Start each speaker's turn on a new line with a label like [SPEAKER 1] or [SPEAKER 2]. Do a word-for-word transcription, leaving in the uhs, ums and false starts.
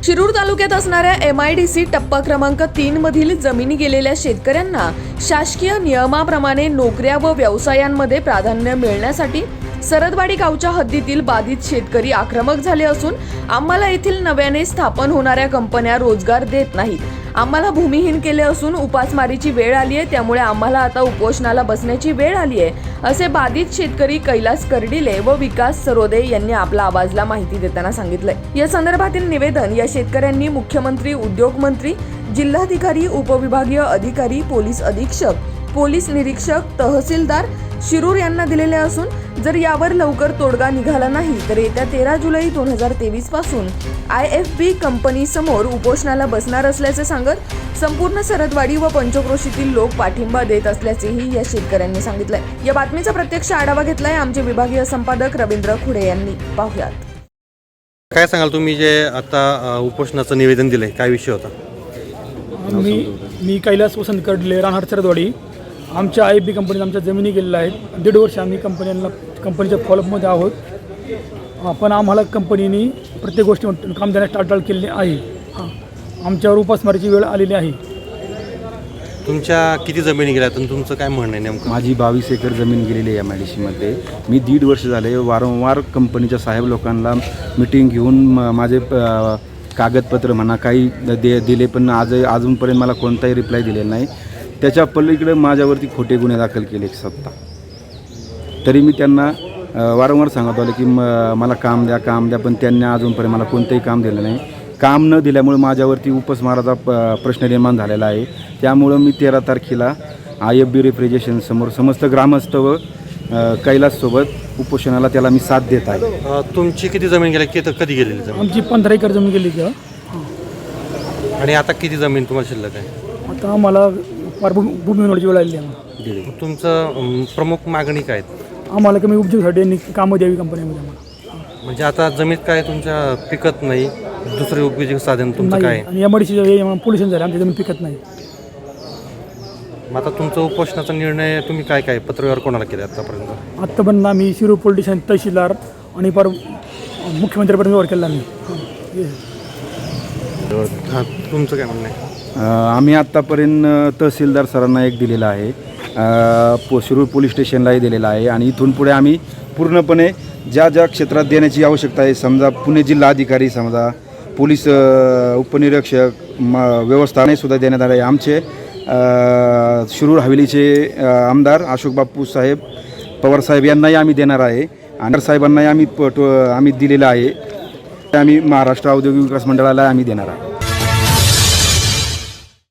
[SPEAKER 1] शिरूर तालुक्यात असणाऱ्या M I D C टप्पा क्रमांक तीन मधील जमिनी गेलेल्या शेतकऱ्यांना शासकीय नियमाप्रमाणे नोकऱ्या व व्यवसायांमध्ये प्राधान्य मिळण्यासाठी सरदवाडी गावच्या हद्दीतील बाधित शेतकरी आक्रमक झाले असून आम्हाला येथील नव्याने स्थापन होणाऱ्या कंपन्या रोजगार देत नाहीत, आम्हाला भूमिहीन केले असून उपासमारीची वेळ आली आहे, त्यामुळे आम्हाला आता उपोषणाला बसण्याची वेळ आली आहे, असे बाधित शेतकरी कैलास कर्डिले व विकास सरोदे यांनी आपला आवाजला माहिती देताना सांगितलंय। या संदर्भातील निवेदन या शेतकऱ्यांनी मुख्यमंत्री, उद्योग मंत्री, जिल्हाधिकारी, उपविभागीय अधिकारी, पोलीस अधीक्षक, पोलीस निरीक्षक, तहसीलदार शिरूर यांना दिलेले असून जर यावर लवकर तोडगा निघाला नाही तर येत्या तेरा जुलै दोन हजार तेवीस पासून आय एफ बी कंपनी समोर उपोषणाला बसणार असल्याचे सांगत संपूर्ण सरदवाडी व पंचक्रोशीतील लोक पाठिंबा देत असल्याचेही या शेतकऱ्यांनी सांगितलंय। या बातमीचा प्रत्यक्ष आढावा घेतलाय आमचे विभागीय संपादक रवींद्र खुडे यांनी। पाहुयात।
[SPEAKER 2] काय सांगाल तुम्ही जे आता उपोषणाचं निवेदन दिलंय, काय विषय होता?
[SPEAKER 3] मी मी कैलास वसंत कर्डिले, राहणार सरदवाडी। आमच्या आय एफ बी कंपनीत आमच्या जमिनी गेलेल्या आहेत। दीड वर्ष आम्ही कंपन्यांना कंपनीच्या फॉलोअपमध्ये आहोत, पण आम्हाला कंपनीने प्रत्येक गोष्टी काम देण्यास टाळाटाळ केलेली आहे। हां, आमच्यावर उपासमारीची वेळ आलेली आहे।
[SPEAKER 2] तुमच्या किती जमिनी गेल्या आणि तुमचं काय म्हणणं आहे नेमकं?
[SPEAKER 4] माझी बावीस एकर जमीन गेलेली आहे एम आय डी सीमध्ये। मी दीड वर्ष झाले वारंवार कंपनीच्या साहेब लोकांना मिटिंग घेऊन माझे कागदपत्र म्हणा काही दे दिले पण आज अजूनपर्यंत मला कोणताही रिप्लाय दिलेला नाही। त्याच्या पलीकडे माझ्यावरती खोटे गुन्हे दाखल केले एक सत्ता। तरी मी त्यांना वारंवार सांगत आलो की म मला काम द्या काम द्या, पण त्यांनी अजूनपर्यंत मला कोणतंही काम दिलं नाही। काम न दिल्यामुळे माझ्यावरती उपासमाराचा प प्रश्न निर्माण झालेला आहे। त्यामुळं मी तेरा तारखेला आय एफ बी रेफ्रिजरेशन समोर समस्त ग्रामस्थ व कैलाससोबत उपोषणाला त्याला मी साथ देत आहे।
[SPEAKER 2] तुमची किती जमीन गेली, किती कधी गेलेली जमीन?
[SPEAKER 3] आमची पंधरा एकर जमीन गेली का?
[SPEAKER 2] आणि आता किती जमीन तुम्हाला शिल्लक आहे?
[SPEAKER 3] आता आम्हाला फार भूमी होण्याची वेळ आलेली आहे।
[SPEAKER 2] तुमचं प्रमुख मागणी काय?
[SPEAKER 3] आम्हाला कमी उपजीविकेसाठी कामं द्यावी कंपनीमध्ये आम्हाला।
[SPEAKER 2] म्हणजे आता जमीन काय तुमच्या पिकत नाही, दुसरे उपजीविका साधन तुमचं काय?
[SPEAKER 3] आणि M I D C pollution झालं, आमच्या जमीन पिकत नाही।
[SPEAKER 2] मग आता तुमचा उपोषणाचा निर्णय तुम्ही काय काय पत्रव्यवहार कोणाला केले आतापर्यंत?
[SPEAKER 3] आत्तापर्यंत आम्ही शिरूर पोलीस स्टेशन, तहसीलदार आणि पर मुख्यमंत्र्यापर्यंत व्यवहार केला आम्ही।
[SPEAKER 2] हां, तुमचं काय म्हणणं आहे?
[SPEAKER 4] आम्ही आत्तापर्यंत तहसीलदार सरांना एक दिलेला आहे, पो शिरूर पोलीस स्टेशनलाही दिलेला आहे आणि इथून पुढे आम्ही पूर्णपणे ज्या ज्या क्षेत्रात देण्याची आवश्यकता आहे, समजा पुणे जिल्हा अधिकारी, समजा पोलीस उपनिरीक्षक, म व्यवस्थापनसुद्धा देण्यात आले आहे। आमचे शिरूर हवेलीचे आमदार अशोक बापू साहेब पवार साहेब यांनाही आम्ही देणार आहे आणि साहेबांनाही आम्ही प आम्ही दिलेलं आहे। आम्ही महाराष्ट्र औद्योगिक विकास मंडळाला आम्ही देणार आहे।